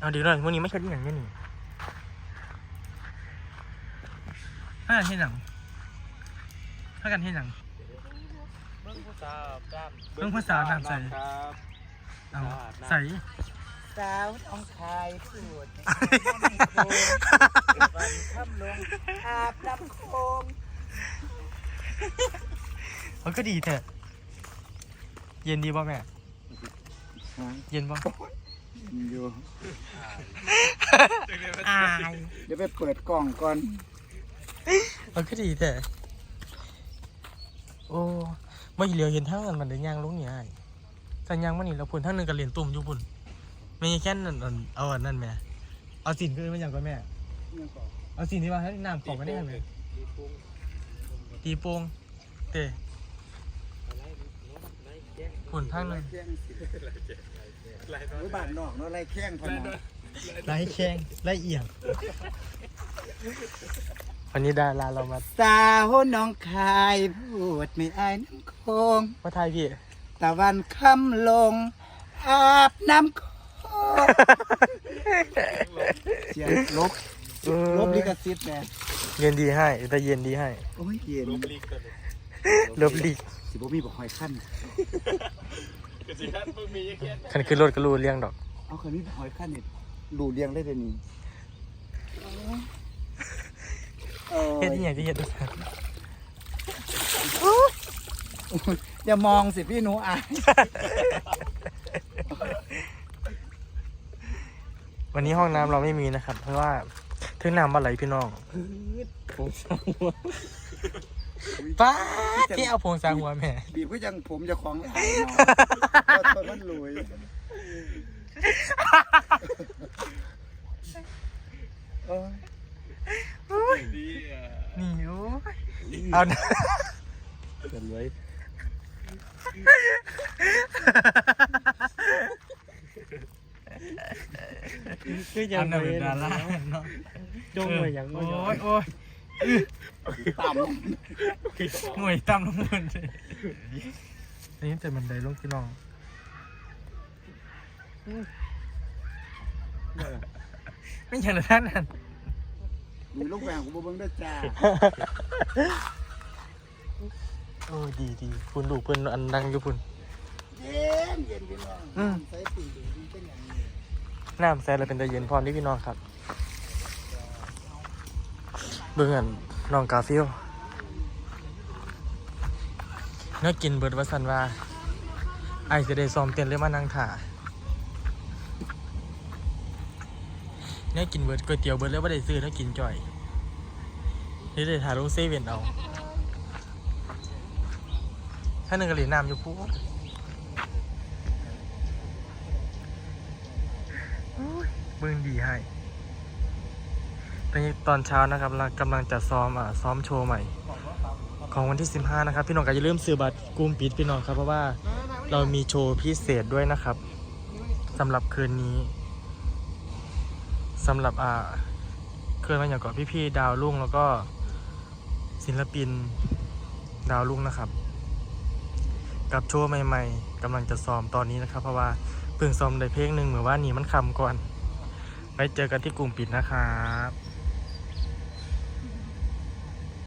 เอาเดี๋ยวหน่อยวันนี้ไม่ใช่ที่อย่างนี้นี่ถ้ากันที่หนังถ้ากันที่หนังเบิ้งภาษาน้ำใสเอาใสสาวต้องคายสูดวันค่ำลงอาบน้ำโคงมันก็ดีแท้เย็นดีป่ะแม่เย็นป่ะอยู่อายเดี๋ยวไปเปิดกล่องก่อนมันก็ดีแท้โอ้ไม่เหลียวเห็นทั้งนั้นมันได้ย่างลงนี่ไอ้สัญญาณมันนี่เราพุ่นทั้งนึงกับเหรียญตุ่มอยู่พุ่นไม่แค่นั้นเอาอันนั้นแม่เอาสินขึ้นมาอย่างก่อนแม่เอาสินที่ว่าให้น้ำของกันได้ไหมตีโป่งเตะพุ่นทั้งนึงบ้านนอกเนาะไรแข้งพนันไล่แข้งไล่เอียงวันนี้ดาราเรามาสาวน้องคายพูดไม่อายน้ำโคงมาไทยพี่ตะวันค่ำลงอาบน้ำโคงเสียงลบลิขสิทธิ์แน่เย็นดีให้แต่เย็นดีให้โอ้ยเย็นลบลีกสิบ่มีบอกหอยขั้นคันคือรถกระลูเลี้ยงดอกเอาคันนี้หอยขั้นนี่ดูเลี้ยงได้เดี๋ยวนี้เฮ็ดยังไงที่เฮ็ดด้วยกันอย่ามองสิพี่หนูอายวันนี้ห้องน้ำเราไม่มีนะครับเพราะว่าถึงน้ำมาไหลพี่น้องป้าที่เอาพงซาหัวแม่บีบก็ยังผมจะคล้องไหลตัวมันลุยนี่โอ้เอาเป็นไว้คือยังเป็นดาราเนาะจงเลยอย่างโอ้ยต่ำหน่วยต่ำลงเงินนี่แต่มันได้ลงพี่น้องไม่ใช่หรือท่านนั่นมีลูกแหวนของบัวเบิ้งด้วยจ้าโอ้ดีคุณดูเพื่อนอันดังอยู่คุณเย็นพี่น้องใส่ปีดีเป็นอย่างนี้น้ำใส่เราเป็นตะเย็นพรที่พี่น้องครับเบื้องอันน้องกาฟิลเนื้อกินเบิดวัสันว่าไอจะได้ซ้อมเต้นเลยมานั่งถ่าเนื้อกินเบิดก๋วยเตี๋ยวเบิดแล้วไม่ได้ซื้อเนื้อกินจ่อยนี่ได้ถ่ายลงเซเว่นเอาถ้าหนึ่งกะหรี่น้ำอยู่ปุ๊บเบื้องดีให้ตอนเช้านะครับเรากำลังจะซ้อมโชว์ใหม่ของวันที่15นะครับพี่น้องก็อย่าลืมซื้อบัตรกลุ่มปิดพี่น้องครับเพราะว่าเรามีโชว์พิเศษด้วยนะครับสำหรับคืนนี้สำหรับคืนวันอย่างก่อนพี่ๆดาวรุ่งแล้วก็ศิลปินดาวรุ่งนะครับกับโชว์ใหม่ๆกำลังจะซ้อมตอนนี้นะครับเพราะว่าเพิ่งซ้อมได้เพลงหนึ่งเหมือนว่านี่มันคำก่อนไว้เจอกันที่กลุ่มปิดนะครับ